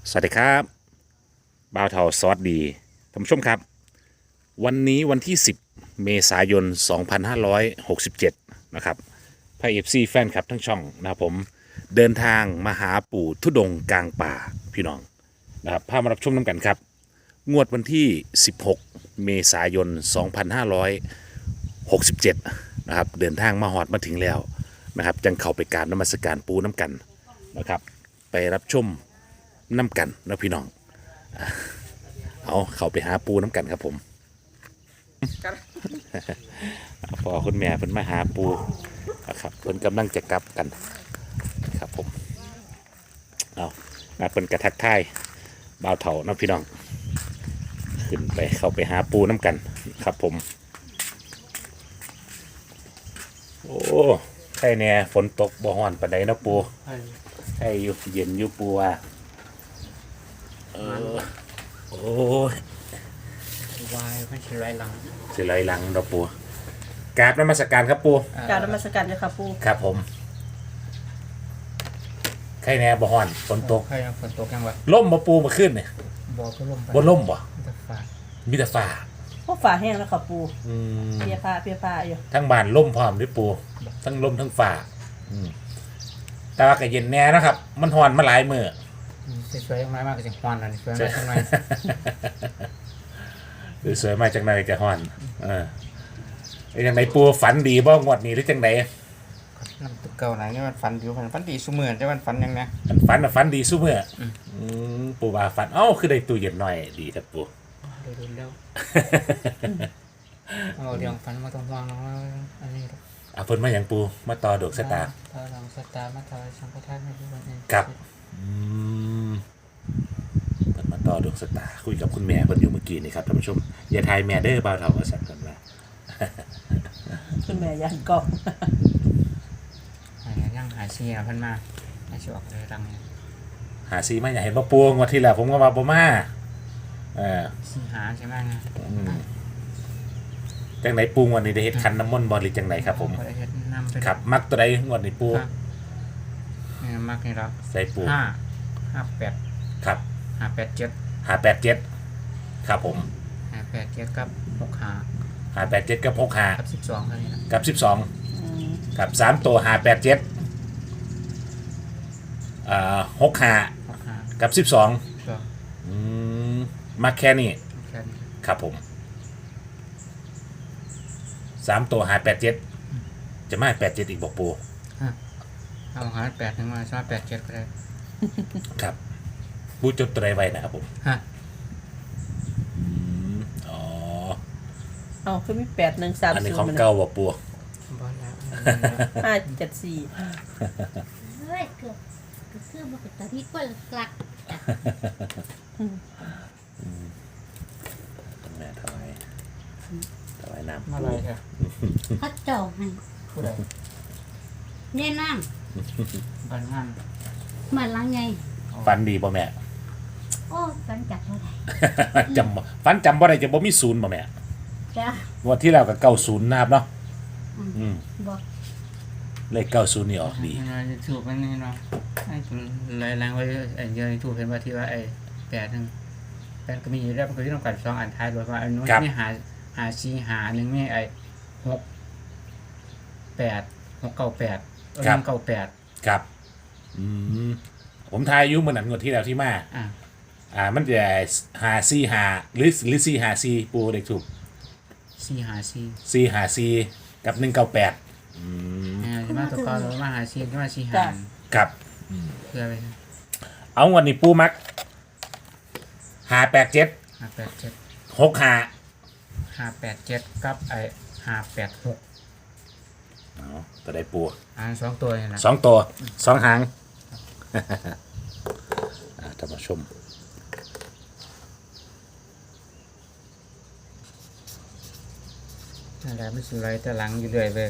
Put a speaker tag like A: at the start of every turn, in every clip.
A: สวัสดีครับบ่าวเทาซอสดีท่านผู้ชมครับวันนี้วันที่ 10 เมษายน 2567นะครับพระเอฟซีแฟนครับทั้งช่องนะครับผมเดินทางมาหาปู่ทุดงค์กลางป่าพี่น้องนะครับพามารับชมน้ำกันครับงวดวันที่ 16 เมษายน 2567นะครับเดินทางมาหอดมาถึงแล้วนะครับจังเข้าไปกราบนมัสการปูน้ำกันนะครับไปรับชมน้ำกันนะพี่น้องเอาเข้าไปหาปูน้ำกันครับผมพอคุณแม่เพิ่นมาหาปูนะครับเพิ่นกำลังจะกลับกันครับผมเอาเพิ่นกระทักทายบ่าวเถานะพี่น้องขึ้นไปเข้าไปหาปูน้ำกันครับผมโอ้ใช่เนี่ยฝนตกบ่ฮ้อนปานใดนะปูใช่อยู่เย็นอยู่ปูว่าโอ้ยว
B: ายไม่ใช่ไรหลัง
A: สิไหลหลังดอกปูกราบนมัสการครับปู
C: กรารนมัสการเจ้าค่ะปู่
A: ครับผมใครแน่บ่ฮ้อนฝนตก
B: ใครฝนตกยังวะ
A: ล่มบ่ปูมาขึ้นเนี่ย
B: บอกก็ลมไป
A: บ่ล่มบ่
B: จะฝาด
A: มีแต่ฟ้า
C: พวกฝ่าแห้งแล้วค่ะปู่
A: อืม
C: เปียผ้าอยู่
A: ทั้งบ้านล่มพร้อมด้วยปูทั้งล่มทั้งฟ้าอืมแต่ว่าก็เย็นแน่นะครับ มันฮ้อนมาหลายมื้อ
B: สวยๆมากๆก็จะฮอนอะไรสวยมากทำไม
A: หรือสวยมาจังไดจะฮ้อนเป็นจังไดปูฝันดีบ่งวดนี้หรือจังได
B: น้ำตึกเก่าไหนนี่มันฝันดีฝันดีสุเมื่อจะมันฝันยังไง
A: มันฝันน่ะฝันดีซุมื้อปูว่าฝันเอ้าคือได้ตู้เย็นหน่อยดีครับปู
B: เร็วเอาเรื่องฝันมาตรงวางแล้วอันนี้
A: เพิ่นมาหยังปูมาต่อดอกสตาร์
B: ถ้าลองสตาร์มาถอยสังฆทานให้ดูวันนี้
A: ครับเพิ่นมาต่อดวงสตาร์คุยกับคุณแม่เพิ่นอยู่เมื่อกี้นี่ครับท่านผู้ชมอย่าทายแม่เด้อบ่าวเฒ่าว่าซั่นเพิ่นว่า
C: คุณแม่ยันกล้อง
B: ยังหายเสียพันมาหายเสียออกเลยรังเนี่ย
A: หาซีมาอย่าเห็นบ่ปูงวดที่แล้วผมก็ว่าบ่มาเออ
B: สีหาใช่ไหมไง
A: จังไดปูงวดนี้ได้เฮ็ดคันน้ำมนต์บ่หรือจังไดครับผม
B: ก็ได้เฮ็ดนำไป
A: ครับมักตัวใดงวดนี้ปู
B: เนี่ยมากนี่แล้ว
A: ใส่ปู
B: 5 8
A: ครับ
B: 5 8 7
A: 587ครับผม
B: 5 8 7กับ6
A: 587กับ65
B: 5กับ12เท่านี้นะ
A: กับ12กับ3ตัว58765
B: 6 5
A: กับ12
B: ก็
A: มักแค่นี้
B: แค่นี้
A: ครับผม3ตัว587จะมา87อีกบอกปู
B: เอาหา8ถึงมาชอบ8 7ก็ได้
A: ครับปูจดตัวใดไว้นะครับผม
B: ฮะ
A: อ๋อ
C: เอาคือมี8130
A: อันนี้ของเก่าบอกปู
B: บอลแล้ว
C: 574
D: เฮ้ยเกือบมาเป็นตาที่กวนหลัก
A: แม่ถวายน้ำ
B: มา
A: ปู
B: เลยค่ะ
D: เขาเจ่อให้
B: ผู้ใด
D: เนี่ยน้
B: บ้านงาน
D: ำเหมือนลังไง
A: ฟันดีป่ะแม่
D: โอ้กันจับเท่าไหร่
A: ฟันจำบ่ได้จะบ่มีศูนย์ป่ะแม่
D: จ้าง
A: วดที่แล้วก็90นะครับเนาะ
D: บอก
A: เลข90นี่ออกดี
B: ถูกมันนี่เนาะไอ้ลายแรงไว้ไอ้เยอะถูกเห็นว่าที่ว่าไอ้8ก็มีอยู่แล้วมันก็ที่ต้องการ2อันท้ายด้วยว่าอันนู้นมีหา4หา1มีไอ้6 8 6 9 8 198
A: ครับผมทายอายุเหมือนนั้นงวดที่แล้วที่มา มันจะ545หรือ454ปูเด็กถูก
B: 4หา4
A: 454กับ198
B: ใช่ไหมตัวก็มาหา4ก็มา4หา
A: ครับ
B: เพื่อไป
A: เอาวันนี้ปูมัก587
B: 587
A: 65
B: 587กับไอ้586
A: ตัวได้ปู
B: 2ตัวนี่แหละ
A: 2ตัว2หางท่านผู้ชม
B: นั่นแหละไม่สุดไรแต่หลังอยู่เรื่อยเว้ย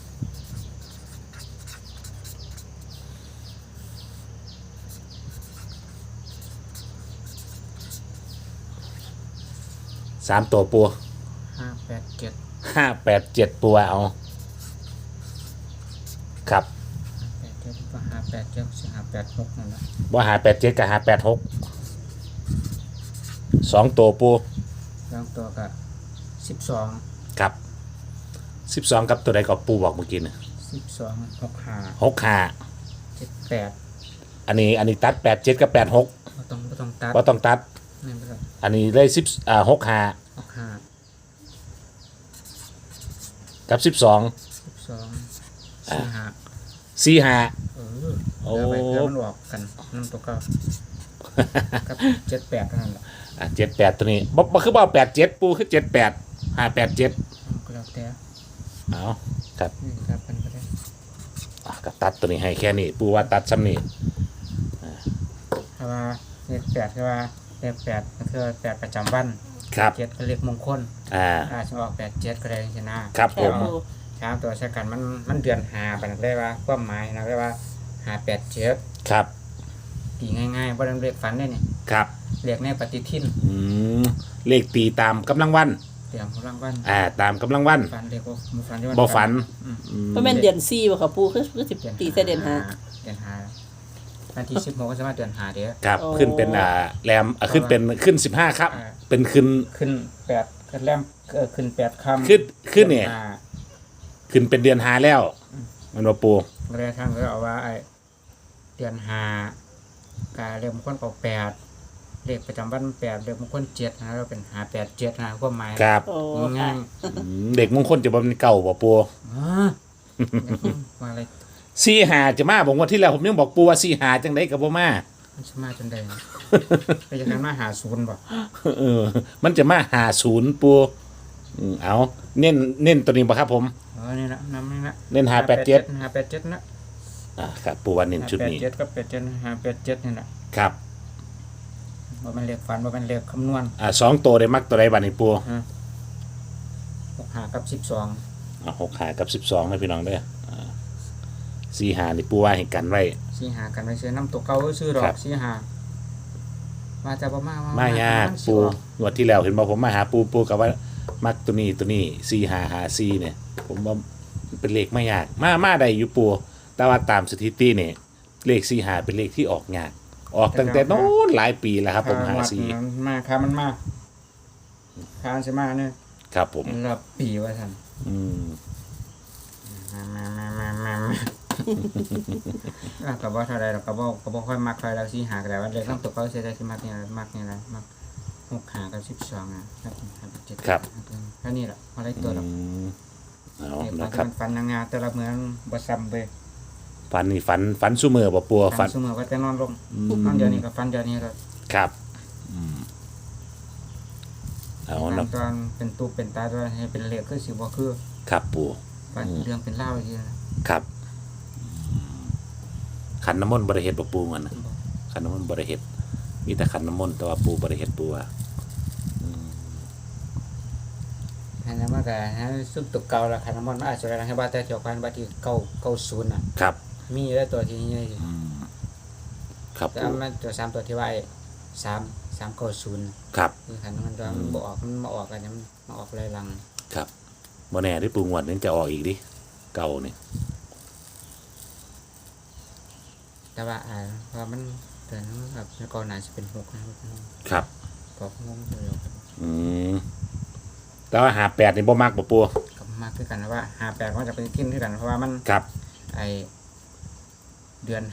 A: 3ตัวปู
B: 587
A: 587ปูเอาครับ
B: 587ก็587 586นั่นแหละ
A: บ่587กับ586 2ตัวปู
B: สองตัวก็12
A: ครับ12กับตัวใดก็ปูบอกเมื่อกี้น่ะ
B: 12 65
A: 65
B: 78
A: อันนี้ตัด87กับ86
B: บ่ต้องตัด
A: บ่ต้องตัด
B: นี่บ่ต้อง
A: อันนี้เลย65
B: 65
A: กับ12
B: 12
A: 45
B: เออ
A: โอ้
B: เดี๋ยวไปเดี๋ยวมันออกกันน้ำตัวเก็กับ78เท่านั้นแหละ
A: 78ตัวนี้บ่คือบ่87ปูคือ78 587
B: ก็แล้วแต่
A: เอาครับ
B: นี่ครับมันก็ได้
A: ก็ตัดตัวนี้ให้แค่นี้ปูว่าตัดซ้ำนี่
B: ถ้าว่าเลข8คือว่าเลข8ก็คือ8ประจำวัน
A: ครับ
B: 7ก็เลขมงคล อาจจะออก87ก็ได้จังซี่นะครับ
A: ผม
C: ปู
B: ถามตัวใช้กันมันเดือน5ปานนั้นเลยว่าความหมายนะเลยว่า587
A: ครับ
B: ตีง่ายๆบ่ได้เลขฝันได้นี่
A: ครับ
B: เลขในปฏิทิน
A: เลขตีตามกำลังวัน
B: เตรียมกำลังวัน
A: ตามกำลังวัน
B: ฝันเลขบ่ฝันที่
A: บ่ฝัน
C: ก็แม่นเดือน4บ่ค่ะปูคือสิตีแต่เดือน
B: เดือน5วันที่16ก็สามารถเดือน5เด้อ
A: ครับ
C: โอ้
A: ขึ้นเป็นแรมขึ้น15ครับ เป็นขึ้น
B: ขึ้น8ขึ้นแรมขึ้น8ค่ำ
A: ขึ้นเนี่ยขึ้นเป็นเดือน5แล้วมันบ่ปู
B: เรียกทางก็เอาว่าไอ้เดือน5กาเลขมงคลก็8เลขประจำวัน8เลขมงคล7นะเราเป็น587นะความหมาย
A: ครับ
C: โอ้
B: ง่าย
A: เด็กมงคลจะบ่เป็นเก่าบ่ปู
B: ๆว่าอะไร
A: 45จะมาบอกว่าที่แล้วผมยังบอกปูว่า45จังได๋ก็บ่มา
B: มันสมาจนได้นะไปจากนั้นมาหาศูนย์บ่
A: มันจะมา50ปูเอาเน้นตัวนี้บ่ครับผม
B: นี่ละนำนี่ละ
A: เน้น587
B: 587นะ
A: ครับปูว่าเน้นชุดนี้
B: 587กับ587นี่แหละ
A: ครับ
B: ว่ามันเลขฝันว่ามันเลขคำนวณ
A: 2ตัวได้มักตัวใดบัดนี้ปู
B: 6 กับ12
A: 6 กับ12นะพี่น้องเด้อ4 นี่ปูว่าให้กันไว้
B: 4 กันไปซื้อน้ำตัวเก่าซื้อดอ
A: ครั
B: ก
A: บ
B: 4มาจะบ่มาม
A: ายากปูงวดที่แล้วเห็นบอกผมมาหาปูกับว่ามักตัวนี้4554เนี่ยผมว่ามันเป็นเลขไม่ยากมาได้อยู่ปูแต่ว่าตามสถิติเนี่ยเลข45เป็นเลขที่ออกยากออกตั้งแต่โน้นหลายปีแล้วครับผม54
B: มาครับมันมาคานใช่มาเนี่ย
A: ครับผม
B: รอบปีว่าท่าน
A: อืม
B: ก็บ่เท่าไรหรอกก็บ่ค่อยมักใครแล้ว4 ก็ได้ว่าเลขน้ำตัวเก่าใช้ได้สิมักนี่มักนี่แหละมัก6 กับ12นะครับ7ครับแค่นี้แหละอะไรตัวหรอก
A: เอา
B: เด็ก
A: นะครับ
B: ฟันนางงาแต่ละเหมือนบ่ซ้ำเว้ย
A: ฝันนี่ฝันซุมือบ่ปัวฝัน
B: เสมอก็จะนอนลงนอนเดี๋ยวนี้ก็ฟันเดี๋ยวนี้ก็
A: ครับเอาเนาะ
B: ตอนเป็นตูเป็นตาด้วยให้เป็นเหล็กคือสิบ่คือ
A: ครับปู
B: ฟันเรื่องเป็นเล่าอีกทีนะครับ
A: ขันน้ำมนต์บริเฮ็ดบ่ปูมันนะขันน้ำมนต์บริเฮ็ดมีแต่ขันน้ำมนต์แต่ว่าปูบริเฮ็ดปูว่า
B: อันนั้นมันก็ฮะซุปตุกเก่าละคันน้ำมันอาจจะให้ว่าแต่เจ้ากันบัดที่90น่ะ
A: ครับ
B: มีแล้วตัวที่นี่
A: ครับ
B: แต่
A: ปู
B: มันตัว3ตัวที่ว่า390
A: ครับ
B: คือคันมันตัวมันบ่ออกมันมาออกกันมันมาออกลายลัง
A: ครับบ่แน่ที่ปูงวดนี้จะออกอีกดิเก่านี่
B: แต่ว่าเพราะมันเตือนแบบก่อนหน้าสิเป็น6นะครับ ก็งงอยู่
A: แต่ว่า58นี่บ่มักบ่ปู
B: ก็มากคือกันนะว่า58มันจะเป็นทิ้นคือกันเพราะว่ามัน
A: ครับ
B: ไอเดือน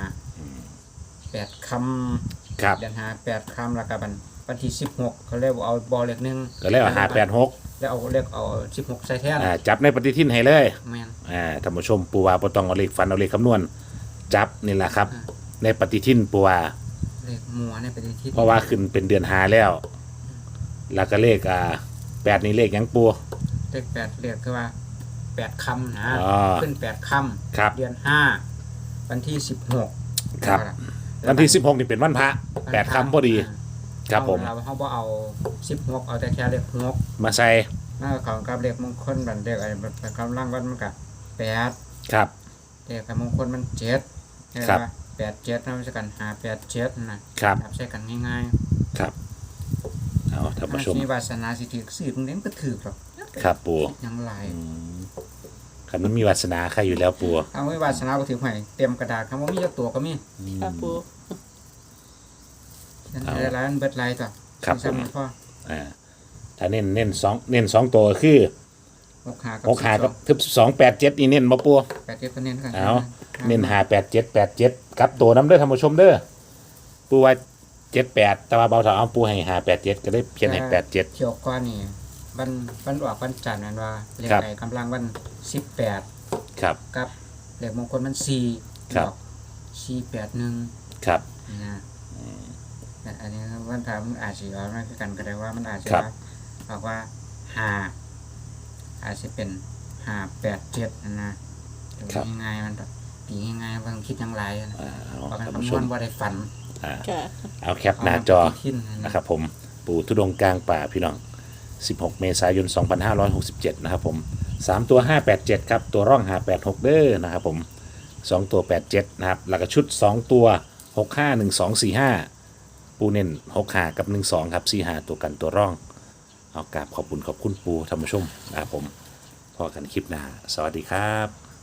B: 8 ค่ำ
A: ครับ
B: เดือน8 ค่ำแล้วก็วันที่16เขาเรียกว่าเอาบอลเลข1
A: ก็เลยว่า586
B: แล้วเอาเลขเอา16ใส่แทน
A: จับในปฏิทินให้เลย
B: แม่น
A: ท่านผู้ชมปูว่าบ่ต้องเอาเลขฟันเอาเลขคำนวณจับนี่แหละครับ ในปฏิทินปูว่า
B: เลขมัวเนี่ยไปที่
A: เพราะว่าขึ้นเป็นเดือน5แล้ว แล้วก็เลข8นี่เลขหยังปู
B: เลข8เลขคือว่า8 ค่ำนะ
A: อ๋อ
B: ขึ้น8 ค่ำ
A: ครับ
B: เดือน5วันที่16
A: ครับ วันที่16นี่เป็นวันพระ8ค่ำพอดี ครับผม
B: เราเฮาบ่เอา16เอาแต่แค่เลข6
A: มาใส่
B: แล้วของกับเลขมงคลบันเลขอะไรบันกำลังวันมันก็8
A: ครับ
B: เลขมงคลมัน7ใช่
A: ครับ
B: ป่ะ87นำใช้กัน587นะครับ ใช้กันง่าย
A: ครับเอาท่าน
B: ๆ
A: ผู้ชม
B: มีวาสนาสิถือสื่อตรงนี้มันก็ถือหรอก
A: ครับปู
B: ยังหลาย
A: คันมันมีวาสนาใครอยู่แล้วปู
B: เอาไว้วาสนาบ่ถือให้เต็มกระดาษคำว่ามีจักตัวก็มี
C: ค่ะปู
B: ฉันได้หลายมันเบิดหลายตัว
A: ครับผม
B: พ่อ
A: ถ้าเน้นสองตัวก็คือ
B: 6 5
A: 6 5กับทึบ2 8 7นี่เน้นบ่ปู
B: 8 7ก็เน้นกัน
A: เอาเน้น5 8 7 8 7กับตัวน้ำเด้อท่านผู้ชมเด้อปูว่า78แต่ว่าเบาเถาเอาปูให้5 8 7ก็ได้เพียนให้8 7
B: เกี่ยวก้อนนี่วันออกวันจันทร์นั่นว่าเลข
A: ครับ
B: ไอ้กำลังวัน18
A: ครับ
B: กับเลขมงคลมัน4
A: ครับ
B: 481
A: ครับ
B: นะแต่อันนี้วันพระมันอาจสิเอามาคือกันก็ได้ว่ามันอาจจะ
A: ครับ
B: บอกว่า5อาจจะเป็น587นะดูง่ายๆมันแบบตีง่ายๆบางคิดอยังไรนะ
A: เอา
B: เพราะมัน
A: ท่านผู้
B: คำน
A: ช
B: ว
A: ม
B: ณว่าได้ฝัน
C: ค่ะ
A: เอาแคปหน้าจอ
B: เไปคิดนะ
A: นะครับผมปู่ทุดงค์กลางป่าพี่น้อง 16 เมษายน 2567 นะครับผม 3 ตัว 587 ครับ ตัวร่อง 586 เด้อนะครับผม 2 ตัว 87 นะครับ แล้วก็ชุด 2 ตัว 651245 ปูเน้น65 กับ 12 ครับ 45 ตัวกันตัวร่อง เอากราบขอบคุณปูท่านผู้ชมนะครับผมพอกันคลิปหน้า สวัสดีครับ